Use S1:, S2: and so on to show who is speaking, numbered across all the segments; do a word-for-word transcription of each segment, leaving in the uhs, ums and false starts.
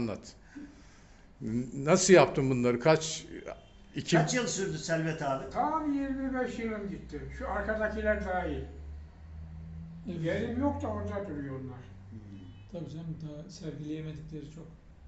S1: anlat. Nasıl yaptın bunları? Kaç iki
S2: Kaç yıl sürdü Selvet abi?
S3: Tam yirmi beş yılım gitti. Şu arkadakiler dahil. Yerim yok da orada duruyor onlar.
S4: Tabii canım, daha sergileyemedikleri çok.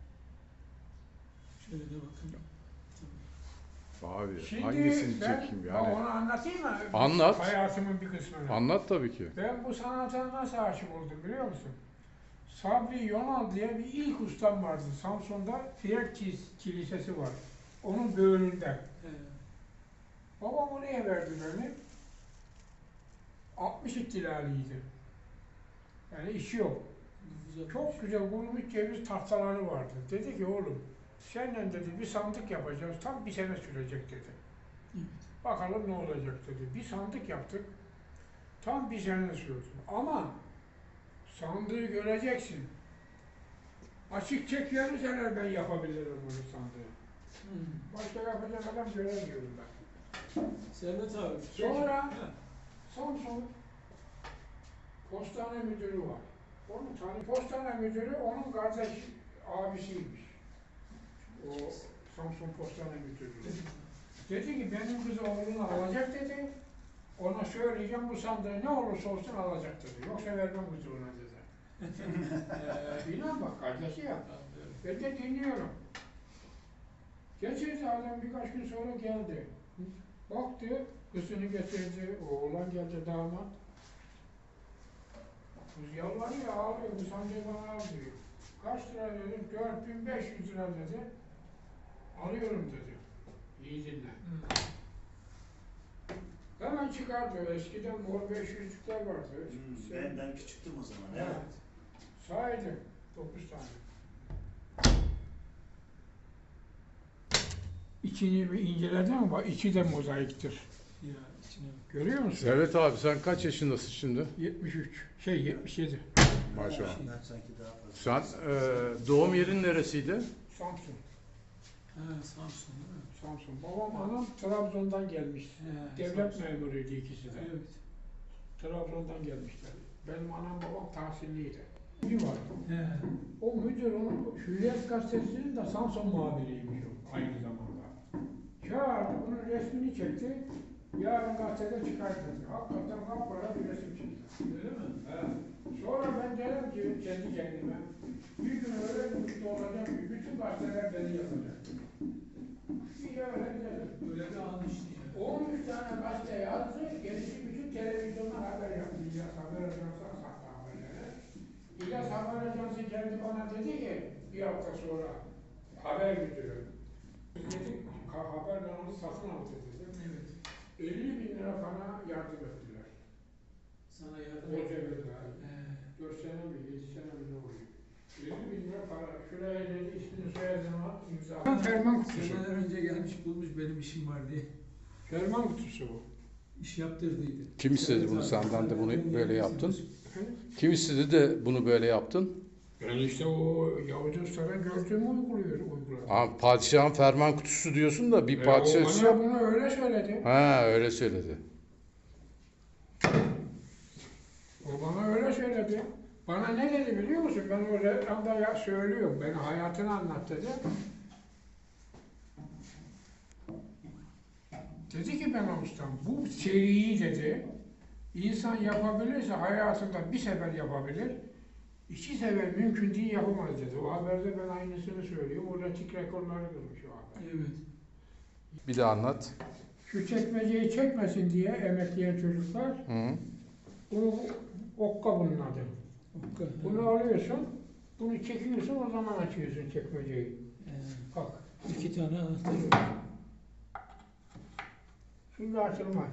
S4: Şöyle de bakın.
S1: Abi
S3: Şimdi
S1: hangisini
S3: ben
S1: çekeyim
S3: bak
S1: yani?
S3: onu anlatayım mı?
S1: Anlat.
S3: Hayatımın bir kısmını.
S1: Anlat tabii ki.
S3: Ben bu sanata nasıl aşık oldum biliyor musun? Sabri Yonal diye bir ilk ustam vardı. Samsun'da Fiyer Kilisesi var. Onun böğründe.
S4: Evet.
S3: Babam oraya verdi beni. altmış ihtilaliydi. Yani işi yok.
S4: Güzel.
S3: Çok güzel kurumuş ceviz tahtaları vardı. Dedi ki oğlum, seninle dedi bir sandık yapacağız. Tam bir sene sürecek dedi.
S4: Evet.
S3: Bakalım ne olacak dedi. Bir sandık yaptık. Tam bir sene sürdü. Ama sandığı göreceksin. Açık çek verirseler ben yapabilirim bunu sandığı.
S4: Hmm.
S3: Başka yapacak adam göremiyorum ben.
S4: Servet abi.
S3: Sonra
S4: Ha.
S3: Samsun postane müdürü var. Onun tanı postane müdürü onun kardeş abisiymiş. O Samsun postane müdürü. Dedi ki benim kızı oğlunu alacak dedi. Ona söyleyeceğim bu sandığı ne olursa olsun alacak dedi. Yoksa vermem kızı ona dedi. ee, inan bak kardeşi ya. Ben de dinliyorum. Geçirdi adam birkaç gün sonra geldi. Baktı, kızını getirdi, oğlan geldi damat. Kız yalvarıyor, ağlıyor, bu sandığı bana al diyor. Kaç lira dedim, dört bin beş yüz lira dedi. Alıyorum dedi. İyi dinle.
S4: Hmm.
S3: Hemen çıkardı, eskiden mor beş yüzlükler vardı.
S2: Hmm,
S3: Sen-
S2: ben, ben küçüktüm o zaman.
S3: Evet.
S2: Evet.
S3: Saydım, dokuz tane. İçini bir inceledin mi? Bak, içi de mozaiktir.
S4: Ya içine bak.
S3: Görüyor musun?
S1: Servet abi sen kaç yaşındasın şimdi?
S3: yetmiş üç, şey yetmiş yedi.
S1: Maşallah.
S2: Ben sanki daha fazla.
S1: Sen e, doğum yerin neresiydi?
S3: Samsun.
S4: Ha, Samsun değil mi?
S3: Samsun. Babam anam Trabzon'dan gelmiş.
S4: He,
S3: Devlet
S4: Samsun.
S3: memuruydu ikisi de.
S4: Evet.
S3: Trabzon'dan gelmişler. Benim anam babam tahsilliydi. Bir var.
S4: He.
S3: O müdür onun Hürriyet Gazetesi'nin de Samsun muhabiriymiş o aynı zamanda. Çağırdı, bunun resmini çekti. Yarın gazetede çıkar dedi. Hakikaten kapkara bir resim çıktı.
S4: Öyle mi?
S3: Evet. Sonra ben derim ki kendi kendime, bir gün öyle bir mutlu olacak ki bütün gazeteler beni yazacak. Bir öyle gidelim.
S4: Böyle bir an işte.
S3: on üç tane gazete yazdı, gerisi bütün televizyonlar haber yaptı. İlyas Haber Ajansı'na sattı haberleri. İlyas Haber Ajansı geldi bana dedi ki, bir hafta sonra haber müdürü. Dedi, haber kanalı satın aldı dedi.
S4: Evet.
S3: elli bin lira bana yardım ettiler.
S4: Sana yardım
S3: O
S4: et.
S3: devirde.
S4: He.
S3: dört sene mi, yedi sene mi ne oluyor? elli bin lira para. Şuraya dedi, ismini soyadını at, imza. Ferman kutusu.
S4: Seneler önce gelmiş bulmuş benim işim var diye.
S3: Ferman kutusu bu.
S4: İş yaptırdıydı.
S1: Kim istedi
S4: Servet
S1: bunu
S4: abi,
S1: senden de bunu
S4: ben
S1: böyle
S4: geldim,
S1: yaptın?
S4: siz-
S1: Kim istedi de bunu böyle yaptın?
S3: Ben işte o Yavuz Usta'da gördüğümü uyguluyor, uyguladım.
S1: Aa, padişahın ferman kutusu diyorsun da bir
S3: E,
S1: padişah...
S3: o bana bunu öyle söyledi.
S1: Ha öyle söyledi.
S3: O bana öyle söyledi. Bana ne dedi biliyor musun? Ben o reklamda ya söylüyorum. Ben hayatını anlat dedi. Dedi ki ben ustam, bu seriyi dedi, insan yapabilirse hayatında bir sefer yapabilir, iki sefer mümkün değil yapamaz dedi. O haberde ben aynısını söylüyorum. O retik rekorları kırmış o haber.
S4: Evet.
S1: Bir de anlat.
S3: Şu çekmeceyi çekmesin diye emekleyen çocuklar,
S1: Hı.
S3: bunu okka bunun adı.
S4: Okka.
S3: Bunu alıyorsun, bunu çekiyorsun, o zaman açıyorsun çekmeceyi.
S4: He.
S3: Bak,
S4: İki tane anahtar var.
S3: şimdi açılmaz.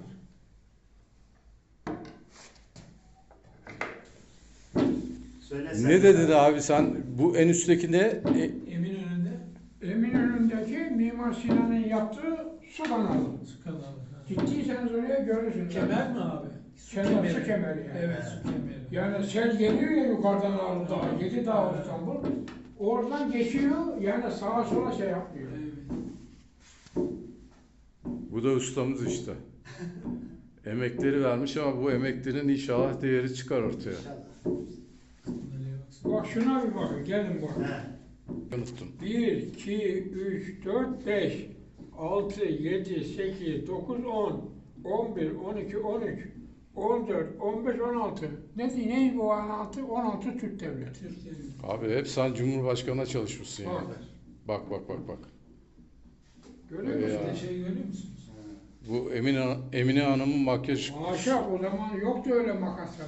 S2: Söyle
S1: Ne
S2: Selvet
S1: dedin
S2: abi.
S1: abi sen? Bu en üstteki ne? E,
S4: Eminönü'nde
S3: Eminönü'ndeki Mimar Sinan'ın yaptığı su kanalı.
S4: su kanalı. Ha.
S3: Gittiyseniz oraya görürsünüz.
S4: Kemer mi abi? Su
S3: Kemer, su kemeri yani.
S4: Evet, su kemeri.
S3: Yani sel geliyor ya yukarıdan Ağrı Dağı, Yedi Dağ İstanbul. Oradan geçiyor, yani sağa sola şey yapmıyor.
S4: Evet.
S1: bu da ustamız işte. Emekleri vermiş ama bu emeklerin inşallah değeri çıkar ortaya.
S2: İnşallah.
S4: Nereye baksana.
S3: Bak şuna bir bakın, gelin bakın.
S2: He.
S1: Unuttum.
S3: bir, iki, üç, dört, beş, altı, yedi, sekiz, dokuz, on, on bir, on iki, on üç, on dört, on beş, on altı. Ne, ne bu on altı? on altı Türk Devleti.
S4: Türkiye'nin.
S1: Abi hep sen Cumhurbaşkanı'na çalışmışsın yani.
S3: Bak.
S1: Bak bak bak bak.
S3: Görüyor
S1: Öyle
S3: musun?
S1: ya.
S4: Bir de şey görüyor musunuz?
S1: Bu Emine, Emine Hanım'ın makyaj...
S3: Haşa, o zaman yoktu öyle makaslara.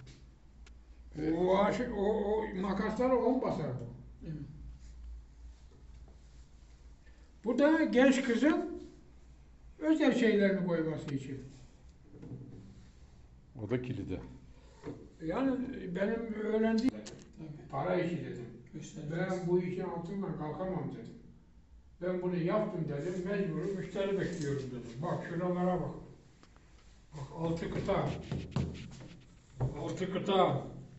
S3: O, haşa, o, o makaslara on basardı.
S4: Değil mi?
S3: Bu da genç kızın özel şeylerini koyması için.
S1: O da kilidi.
S3: Yani benim öğrendiğim
S4: Tabii.
S3: para işi dedim.
S4: Göstereceğiz.
S3: Ben bu işin altından kalkamam dedim. Ben bunu yaptım dedim, mecbur müşteri bekliyorum dedim. Bak şuralara bak. Bak altı kıta. Altı kıta.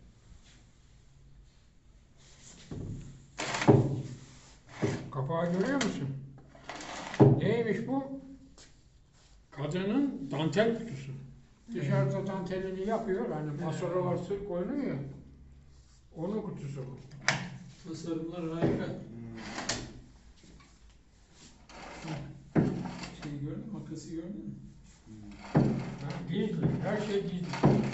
S3: Kapağı görüyor musun? Neymiş bu? Kadının dantel kutusu. Dışarıda dantelini yapıyor, hani masarovası koyuluyor ya. Onun kutusu bu.
S4: Tasarımlar harika. Şey gördün mü? Makası gördün mü?
S3: Ha, gizli, her şey gizli.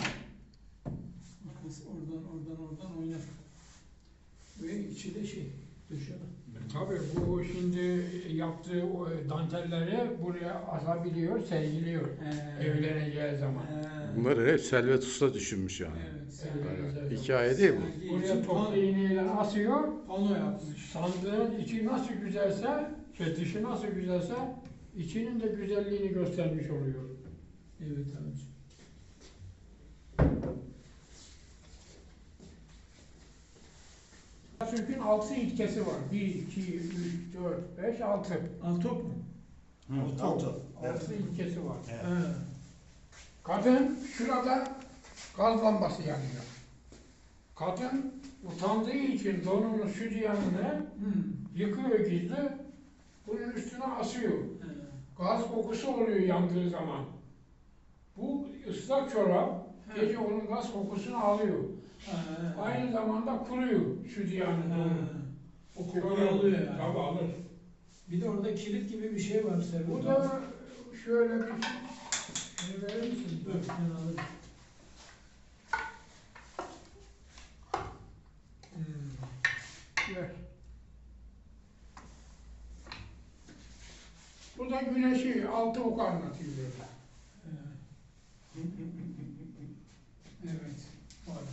S4: Makası oradan oradan oradan oynar. Ve içi de şey döşeme.
S3: Tabii bu şimdi yaptığı o dantelleri buraya asabiliyor, sergiliyor
S4: Ee,
S3: evleneceği zaman.
S4: ee,
S1: Bunları hep Selvet Usta düşünmüş yani.
S4: Evet.
S3: Evet.
S1: Evet. Hikaye değil bu.
S4: Sergi
S3: Buraya
S4: için
S3: toplu iğneyle asıyor,
S4: pano yapmış.
S3: sandığın içi nasıl güzelse, şey dışı nasıl güzelse, içinin de güzelliğini göstermiş oluyor.
S4: Evet abiciğim.
S3: Atatürk'ün altı ilkesi var. bir, iki, üç, dört, beş, altı.
S4: Altop mu?
S2: Hı, Altı.
S3: altı ilkesi var.
S2: Evet.
S4: Ha.
S3: Kadın şurada gaz lambası yanıyor. Kadın utandığı için donunu, sütyenini
S4: Hmm.
S3: yıkıyor gizli, bunun üstüne asıyor.
S4: Ha.
S3: Gaz kokusu oluyor yandığı zaman. Bu ıslak çorap gece onun gaz kokusunu alıyor.
S4: Ha.
S3: Aynı zamanda kuruyor sütyenin
S4: Ha.
S3: donu.
S4: O kokuyu alıyor yani.
S3: Tabii alır.
S4: Bir de orada kilit gibi bir şey var Servet
S3: Bu
S4: abi.
S3: da şöyle bir şunu verir misin?
S4: Dur ben alırım.
S3: Hmm. Ver. Bu da güneşi altı ok anlatıyor böyle.
S4: Evet. Evet. Var.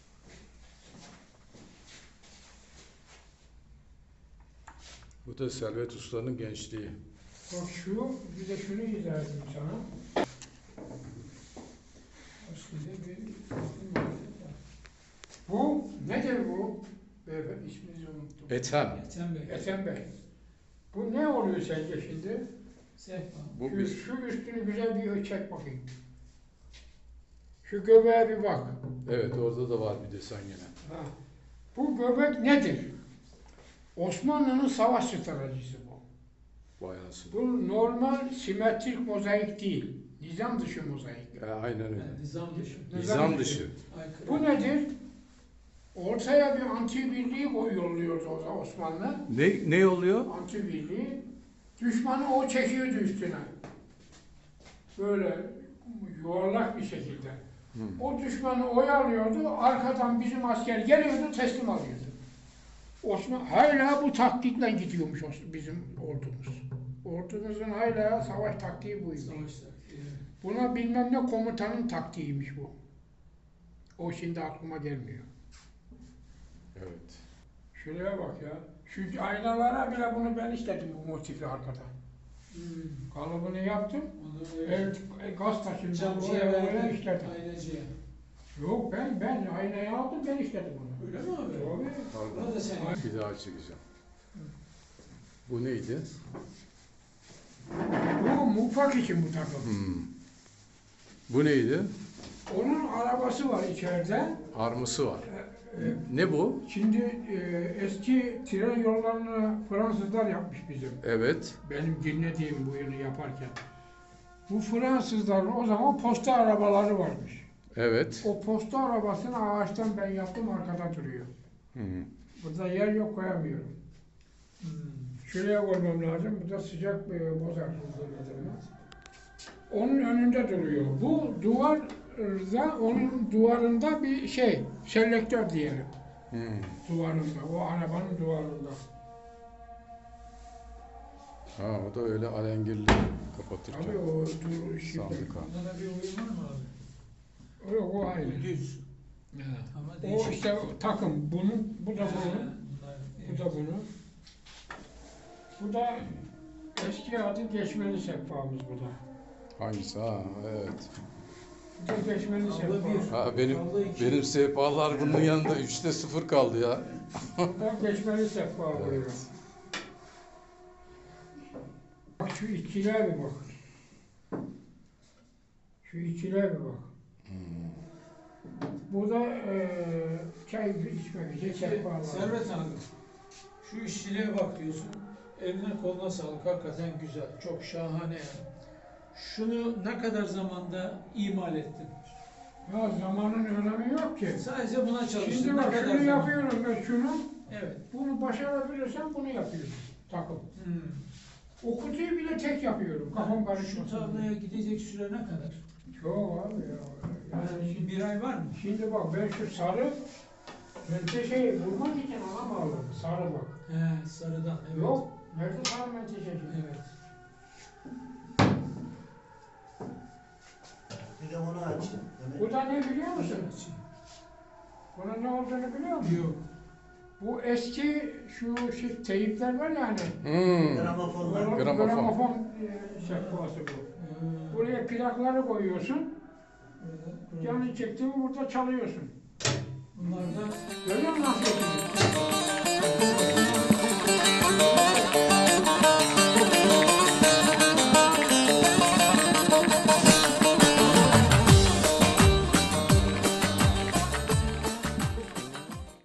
S1: Bu da Selvet Usta'nın gençliği.
S3: Bak şu, bir de şunu izah edeyim sana.
S4: Aslında bir bakın var.
S3: Bu, nedir bu? Beyefendi isminizi unuttum.
S1: Ethem.
S4: Ethem Bey.
S3: Ethem Bey. Bu ne oluyor sence şimdi?
S4: Sehpa.
S1: Bu
S3: Şu,
S1: bir...
S3: şu üstünü güzel bir çek bakayım. Şu göbeğe bir bak.
S1: Evet orada da var bir desen yine.
S3: Ha. Bu göbek nedir? Osmanlı'nın savaş stratejisi bu.
S1: Vay anasını.
S3: Bu normal simetrik mozaik değil. Nizam dışı mozaik.
S1: E, aynen öyle.
S4: Yani nizam dışı.
S1: Nizam dışı.
S4: Aykırı.
S3: Bu nedir? Ortaya bir anti birliği koyuyordu o zaman Osmanlı.
S1: Ne, ne oluyor?
S3: Anti birliği. Düşmanı o çekiyordu üstüne. Böyle yuvarlak bir şekilde.
S1: Hmm.
S3: O düşmanı oyalıyordu, arkadan bizim asker geliyordu, teslim alıyordu. Osman hala bu taktikle gidiyormuş os- bizim ordumuz. Ordumuzun hala savaş taktiği buydu.
S4: Savaş taktiği.
S3: Buna bilmem ne komutanın taktiğiymiş bu. O şimdi aklıma gelmiyor.
S1: Evet.
S3: Şuraya bak ya. Şu aynalara bile bunu ben işledim bu motifi arkada.
S4: Hmm.
S3: Kalıbını yaptım.
S4: Onu öyle
S3: El, e, gaz taşından
S4: camcıya
S3: oraya oraya
S4: verdim.
S3: işledim.
S4: Aynacıya.
S3: Yok ben ben aynayı aldım ben işledim onu.
S4: Öyle mi abi?
S3: Tabii.
S4: Buna da sen.
S1: Bir daha çekeceğim. Bu neydi?
S3: Bu mutfak için bu takım.
S1: Hmm. Bu neydi?
S3: Onun arabası var içeride.
S1: Arması var.
S3: Ee,
S1: Ne bu?
S3: Şimdi e, eski tren yollarını Fransızlar yapmış bizim.
S1: Evet.
S3: Benim dinlediğim bu yılı yaparken. Bu Fransızların o zaman posta arabaları varmış.
S1: Evet.
S3: O posta arabasını ağaçtan ben yaptım arkada duruyor.
S1: Hmm.
S3: Burada yer yok koyamıyorum.
S4: Hmm.
S3: Şuraya koymam lazım. Bu da sıcak e, bozar. Onun önünde duruyor. Bu duvarda, onun duvarında bir şey, selektör diyelim.
S1: Hmm.
S3: Duvarında, o arabanın duvarında.
S1: Ha, o da öyle alengirli kapatırken.
S3: Tabii o dur, şimdi.
S1: Sandık ha.
S4: Bunda da bir uyum var mı abi?
S3: O, o aynı.
S4: Düz.
S3: Ha.
S4: Ama
S3: O
S4: değişik.
S3: işte o takım. Bunun, bu da
S4: Ha,
S3: bunun,
S4: bunlar,
S3: bu da bunun. Bu da eski adı geçmeli sehpamız bu da.
S1: Hangisi ha? Evet.
S3: Bu da geçmeli
S4: Abla
S3: sehpa.
S4: bir.
S1: Ha, benim
S4: Abla iki.
S1: benim sehpalar bunun yanında üçte sıfır kaldı ya.
S3: Bu da geçmeli sehpa oluyor.
S1: Evet.
S3: Bak şu iççiliğe bir bak. Şu iççiliğe bir bak.
S1: Hmm.
S3: Bu da eee çay içmek için sehpalar.
S4: Servet abi, şu işçiliğe bak diyorsun. Eline koluna sağlık. Hakikaten güzel. Çok şahane yani. Şunu ne kadar zamanda imal ettin?
S3: Ya zamanın önemi yok ki.
S4: Sadece buna çalıştın.
S3: Şimdi
S4: Ne
S3: bak
S4: kadar
S3: şunu
S4: zaman?
S3: yapıyorum ben şunu.
S4: Evet.
S3: Bunu başarabilirsem bunu yapıyorum. Takım.
S4: Hmm.
S3: O kutuyu bile tek yapıyorum. Kafam
S4: Şu
S3: karışmasın.
S4: tarlaya gidecek süre ne kadar?
S3: Çok abi ya. Yani
S4: Yani
S3: şimdi,
S4: bir ay var mı?
S3: şimdi bak ben şu sarı menteşeyi vurmak için ona bağladım. Sarı bak.
S4: He, sarıdan. Evet.
S3: Yok. Nerede sarı menteşesi?
S4: Evet.
S2: Bir de onu aç.
S3: Bu da ne biliyor musun?
S4: Evet.
S3: Bunun ne olduğunu biliyor musun?
S4: Yok.
S3: Bu eski şu şey, teyipler var ya hani.
S1: Hmm.
S2: Gramofonlar.
S3: Gram-
S1: Gramofon.
S3: Gramofon e, sehpası bu.
S4: Ee,
S3: Buraya plakları koyuyorsun.
S4: burada- burada.
S3: Canı çekti mi burada çalıyorsun.
S4: Bunlar da
S3: Görüyor musun nasıl yapıyor?